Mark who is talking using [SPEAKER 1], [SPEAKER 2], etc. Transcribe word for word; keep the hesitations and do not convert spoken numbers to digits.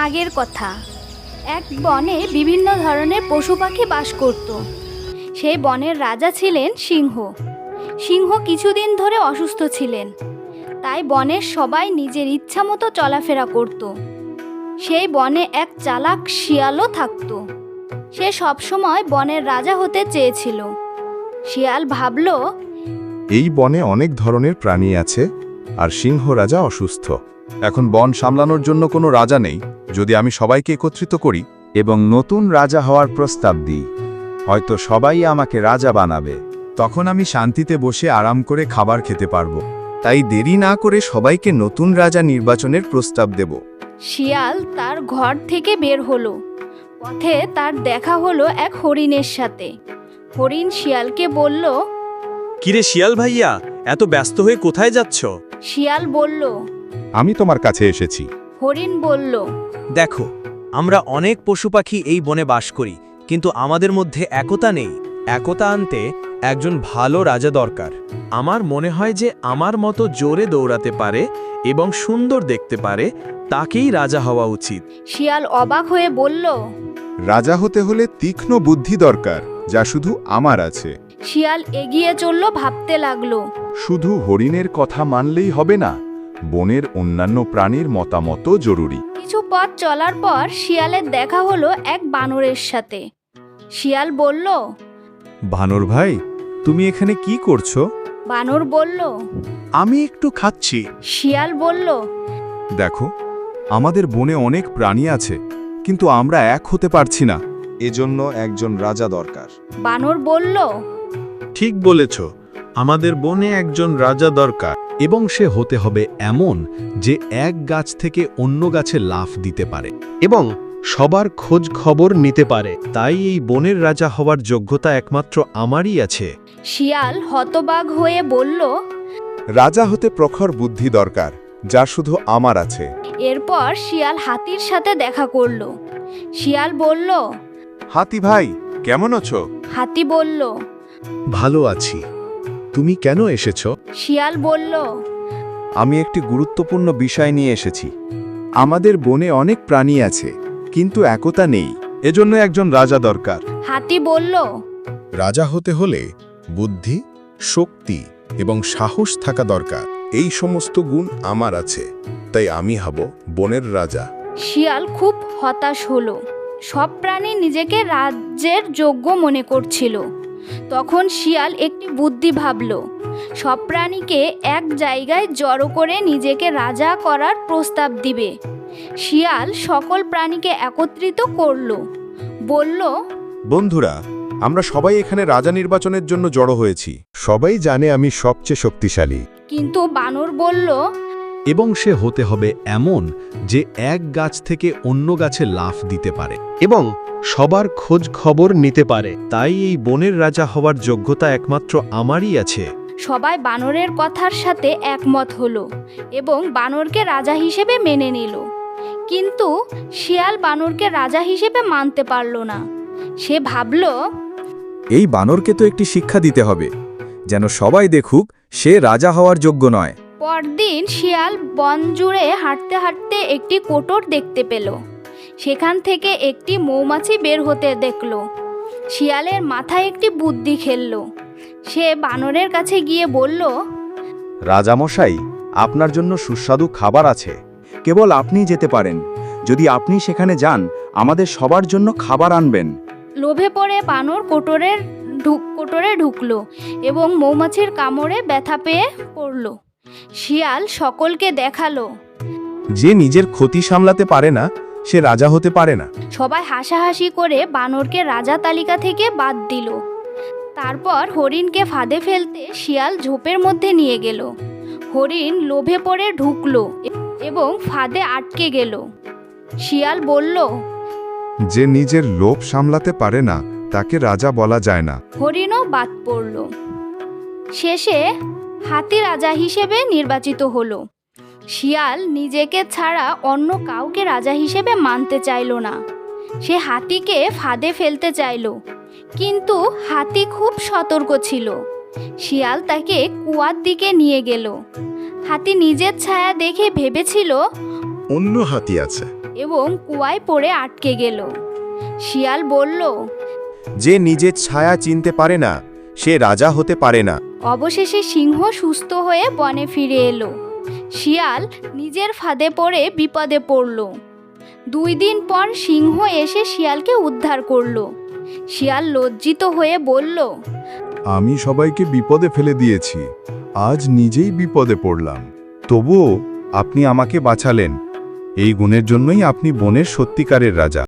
[SPEAKER 1] আগের কথা। এক বনে বিভিন্ন ধরনের পশু পাখি বাস করত। সেই বনের রাজা ছিলেন সিংহ। সিংহ কিছুদিন ধরে অসুস্থ ছিলেন, তাই বনের সবাই নিজের ইচ্ছা মতো চলাফেরা করত। সেই বনে এক চালাক শিয়ালও থাকত। সে সবসময় বনের রাজা হতে চেয়েছিল। শিয়াল ভাবল,
[SPEAKER 2] এই বনে অনেক ধরনের প্রাণী আছে, আর সিংহ রাজা অসুস্থ। এখন বন সামলানোর জন্য কোনো রাজা নেই। যদি আমি সবাইকে একত্রিত করি এবং নতুন রাজা হওয়ার প্রস্তাব দিই, হয়তো সবাই আমাকে রাজা বানাবে। তখন আমি শান্তিতে বসে আরাম করে খাবার খেতে পারবো। তাই দেরি না করে সবাইকে নতুন রাজা নির্বাচনের প্রস্তাব দেব।
[SPEAKER 1] শিয়াল তার ঘর থেকে বের হলো। পথে তার দেখা হলো এক হরিণের সাথে। হরিণ শিয়ালকে বলল,
[SPEAKER 3] কিরে শিয়াল ভাইয়া, এত ব্যস্ত হয়ে কোথায় যাচ্ছ?
[SPEAKER 1] শিয়াল বলল।
[SPEAKER 2] আমি তোমার কাছে এসেছি।
[SPEAKER 1] হরিণ বলল,
[SPEAKER 3] দেখো, আমরা অনেক পশু পাখি এই বনে বাস করি, কিন্তু আমাদের মধ্যে একতা নেই। একতা আনতে একজন ভালো রাজা দরকার। আমার মনে হয় যে আমার মতো জোরে দৌড়াতে পারে এবং সুন্দর দেখতে পারে, তাকেই রাজা হওয়া উচিত।
[SPEAKER 1] শিয়াল অবাক হয়ে বলল।
[SPEAKER 2] রাজা হতে হলে তীক্ষ্ণ বুদ্ধি দরকার, যা শুধু আমার আছে।
[SPEAKER 1] শিয়াল এগিয়ে চলল, ভাবতে লাগলো।
[SPEAKER 2] শুধু হরিণের কথা মানলেই হবে না, বনের অন্যান্য প্রাণীর মতামতও জরুরি।
[SPEAKER 1] কিছু পথ চলার পর শিয়ালের দেখা হলো এক বানরের সাথে। শিয়াল বলল,
[SPEAKER 2] বানর ভাই, তুমি এখানে কি করছো?
[SPEAKER 1] বানর বলল।
[SPEAKER 2] আমি একটু খাচ্ছি।
[SPEAKER 1] শিয়াল বলল,
[SPEAKER 2] দেখো, আমাদের বনে অনেক প্রাণী আছে, কিন্তু আমরা এক হতে পারছি না। এজন্য একজন রাজা দরকার।
[SPEAKER 1] বানর বলল,
[SPEAKER 4] ঠিক বলেছ, আমাদের বনে একজন রাজা দরকার, এবং সে হতে হবে এমন যে এক গাছ থেকে অন্য গাছে লাফ দিতে পারে এবং সবার খোঁজ খবর নিতে পারে। তাই এই বনের রাজা হওয়ার যোগ্যতা একমাত্র আমারই আছে।
[SPEAKER 1] শিয়াল হতবাক হয়ে বলল।
[SPEAKER 2] রাজা হতে প্রখর বুদ্ধি দরকার, যা শুধু আমার আছে।
[SPEAKER 1] এরপর শিয়াল হাতির সাথে দেখা করল। শিয়াল বলল।
[SPEAKER 2] হাতি ভাই, কেমন আছো?
[SPEAKER 1] হাতি বলল।
[SPEAKER 4] ভালো আছি, তুমি কেন এসেছ?
[SPEAKER 1] শিয়াল বলল।
[SPEAKER 2] আমি একটি গুরুত্বপূর্ণ বিষয় নিয়ে এসেছি। আমাদের বনে অনেক প্রাণী আছে, কিন্তু একতা নেই। এজন্য একজন রাজা দরকার।
[SPEAKER 1] হাতি বলল।
[SPEAKER 2] রাজা হতে হলে বুদ্ধি, শক্তি এবং সাহস থাকা দরকার। এই সমস্ত গুণ আমার আছে, তাই আমি হব বনের রাজা।
[SPEAKER 1] শিয়াল খুব হতাশ হলো। সব প্রাণী নিজেকে রাজ্যের যোগ্য মনে করছিল। তখন শিয়াল একটি বুদ্ধি ভাবল। সব প্রাণীকে এক জায়গায় জড়ো করে নিজেকে রাজা করার প্রস্তাব দিবে। শিয়াল সকল প্রাণীকে একত্রিত করল। বলল,
[SPEAKER 2] বন্ধুরা, আমরা সবাই এখানে রাজা নির্বাচনের জন্য জড়ো হয়েছি। সবাই জানে আমি সবচেয়ে শক্তিশালী।
[SPEAKER 1] কিন্তু বানর বলল,
[SPEAKER 4] এবং সে হতে হবে এমন যে এক গাছ থেকে অন্য গাছে লাফ দিতে পারে এবং সবার খোঁজ খবর নিতে পারে। তাই এই বনের রাজা হওয়ার যোগ্যতা একমাত্র আমারই আছে।
[SPEAKER 1] সবাই বানরের কথার সাথে একমত হলো এবং বানরকে রাজা হিসেবে মেনে নিল। কিন্তু শিয়াল বানরকে রাজা হিসেবে মানতে পারল না। সে ভাবল,
[SPEAKER 5] এই বানরকে তো একটি শিক্ষা দিতে হবে, যেন সবাই দেখুক সে রাজা হওয়ার যোগ্য নয়।
[SPEAKER 1] পরদিন শিয়াল বন জুড়ে হাঁটতে হাঁটতে একটি কোটর দেখতে পেল। সেখান থেকে একটি মৌমাছি বের হতে দেখল। শিয়ালের মাথায় একটি বুদ্ধি খেলল। সে বানরের কাছে গিয়ে বলল,
[SPEAKER 5] রাজামশাই, আপনার জন্য সুস্বাদু খাবার আছে, কেবল আপনি যেতে পারেন। যদি আপনি সেখানে যান, আমাদের সবার জন্য খাবার আনবেন।
[SPEAKER 1] লোভে পড়ে বানর কোটরের ঢুক কোটরে ঢুকলো এবং মৌমাছির কামড়ে ব্যথা পেয়ে পড়ল। শিয়াল সকলকে দেখালো।
[SPEAKER 2] যে নিজের ক্ষতি সামলাতে পারে না, সে রাজা হতে পারে না।
[SPEAKER 1] সবাই হাসাহাসি করে বানরকে রাজা তালিকা থেকে বাদ দিল। তারপর হরিণকে ফাঁদে ফেলতে শিয়াল ঝোপের মধ্যে নিয়ে গেল। হরিণ লোভে পড়ে ঢুকলো এবং ফাঁদে আটকে গেল। শিয়াল বলল,
[SPEAKER 2] যে নিজের লোভ সামলাতে পারে না, তাকে রাজা বলা যায় না।
[SPEAKER 1] হরিণও বাদ পড়ল। শেষে হাতি রাজা হিসেবে নির্বাচিত হলো। শিয়াল নিজেকে ছাড়া অন্য কাউকে রাজা হিসেবে মানতে চাইল না। সে হাতিকে ফাঁদে ফেলতে চাইল, কিন্তু হাতি খুব সতর্ক ছিল। শিয়াল তাকে কুয়ার দিকে নিয়ে গেল। হাতি নিজের ছায়া দেখে ভেবেছিল
[SPEAKER 2] অন্য হাতি আছে।
[SPEAKER 1] এবং কুয়ায় পড়ে আটকে গেল। শিয়াল বলল,
[SPEAKER 2] যে নিজের ছায়া চিনতে পারে না সে রাজা হতে পারে না।
[SPEAKER 1] অবশেষে সিংহ সুস্থ হয়ে বনে ফিরে এলো। শিয়াল নিজের ফাঁদে পড়ে বিপদে পড়ল। দুই দিন পর সিংহ এসে শিয়ালকে উদ্ধার করলো। শিয়াল লজ্জিত হয়ে বলল,
[SPEAKER 2] আমি সবাইকে বিপদে ফেলে দিয়েছি, আজ নিজেই বিপদে পড়লাম। তবুও আপনি আমাকে বাঁচালেন। এই গুণের জন্যই আপনি বনের সত্যিকারের রাজা।